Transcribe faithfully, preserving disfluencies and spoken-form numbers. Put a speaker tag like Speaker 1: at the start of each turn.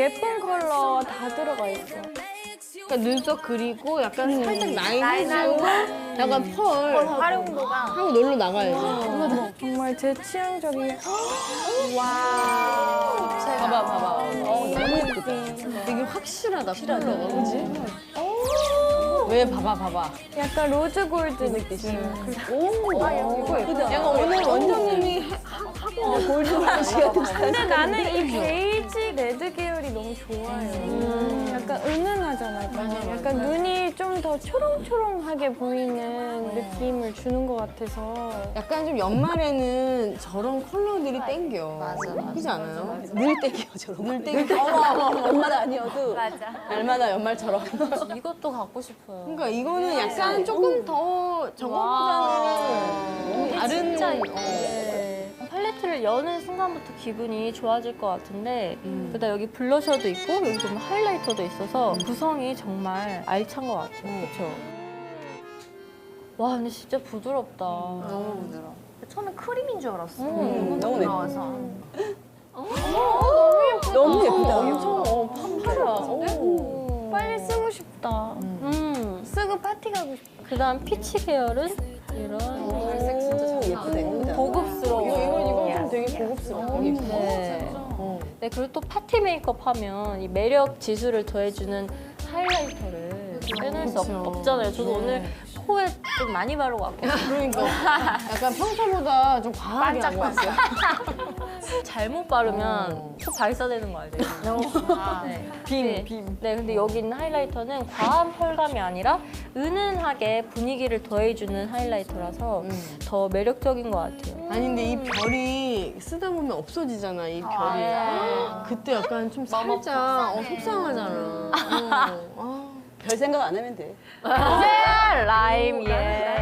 Speaker 1: 예쁜 컬러 다 들어가 있어.
Speaker 2: 그러니까 눈썹 그리고 약간 음. 살짝 라인 해주고 약간 펄
Speaker 3: 활용도가
Speaker 2: 하고 놀러 나가야지.
Speaker 1: 어, 정말 제 취향적이야.
Speaker 3: 와.
Speaker 2: 봐봐 봐봐.
Speaker 3: 어, 너무 예쁘다.
Speaker 2: 되게 확실하다 컬러가 그지? 왜 봐봐 봐봐.
Speaker 1: 약간 로즈 골드 느낌.
Speaker 2: 오, 아, 이거 예쁘다. 약간 오늘 원장님이 해- 하- 하고 골드 브러쉬 같은
Speaker 1: 근데 나는 이 베이지 레드 계열이 너무 좋아요.
Speaker 2: 음.
Speaker 1: 약간 은은하잖아요. 약간 눈이 좀 더 초롱초롱하게 보이는 느낌을 주는 것 같아서.
Speaker 2: 약간 좀 연말에는 저런 컬러들이 땡겨.
Speaker 3: 맞아, 맞아.
Speaker 2: 그렇지 않아요?
Speaker 3: 늘 땡겨 저런
Speaker 2: 늘 땡겨.
Speaker 3: 엄마가 아니어도.
Speaker 4: 맞아.
Speaker 2: 날마다 연말처럼.
Speaker 4: 이것도 갖고 싶어요.
Speaker 2: 그러니까 이거는 약간 조금 더 저거보다는 다른
Speaker 4: 진짜
Speaker 2: 어.
Speaker 4: 네. 팔레트를 여는 순간부터 기분이 좋아질 것 같은데
Speaker 2: 음.
Speaker 4: 그다음 여기 블러셔도 있고 여기 보면 하이라이터도 있어서 구성이 정말 알찬 것 같아요.
Speaker 2: 음.
Speaker 4: 그렇죠? 와 근데 진짜 부드럽다.
Speaker 3: 너무 부드러워.
Speaker 4: 처음에 크림인 줄 알았어.
Speaker 3: 음, 너무
Speaker 4: 부드러워서.
Speaker 3: 너무 예쁘다.
Speaker 2: 엄청 어, 팡팡하다. 오.
Speaker 1: 빨리 쓰고 싶다.
Speaker 4: 음.
Speaker 1: 쓰고 파티 가고 싶다.
Speaker 4: 그다음 피치 계열은 이런
Speaker 3: 갈색 진짜 잘 예쁘다 예쁘다.
Speaker 4: 고급스러워.
Speaker 2: 이거 이거 이거 좀 되게 고급스러워.
Speaker 4: 네.
Speaker 2: 어.
Speaker 4: 네, 그리고 또 파티 메이크업 하면 이 매력 지수를 더해주는 하이라이터를 빼놓을 수 없,
Speaker 2: 그쵸.
Speaker 4: 없잖아요. 저도
Speaker 2: 네.
Speaker 4: 오늘 코에 좀 많이 바르고 왔거든요.
Speaker 2: 그러니까 약간 평소보다 좀 과하게 하고 왔어요.
Speaker 4: 잘못 바르면
Speaker 2: 어.
Speaker 4: 코 발사되는 거 알죠? 네. 빔, 빔. 네, 근데 여기 있는 하이라이터는 과한 펄감이 아니라 은은하게 분위기를 더해주는 하이라이터라서
Speaker 2: 음.
Speaker 4: 더 매력적인 것 같아요.
Speaker 2: 아니 근데 이 별이 쓰다 보면 없어지잖아 이 별이.
Speaker 4: 네.
Speaker 2: 그때 약간 좀 살짝 어, 속상하잖아. 어. 아.
Speaker 3: 별 생각 안 하면 돼.
Speaker 4: 라임, 예.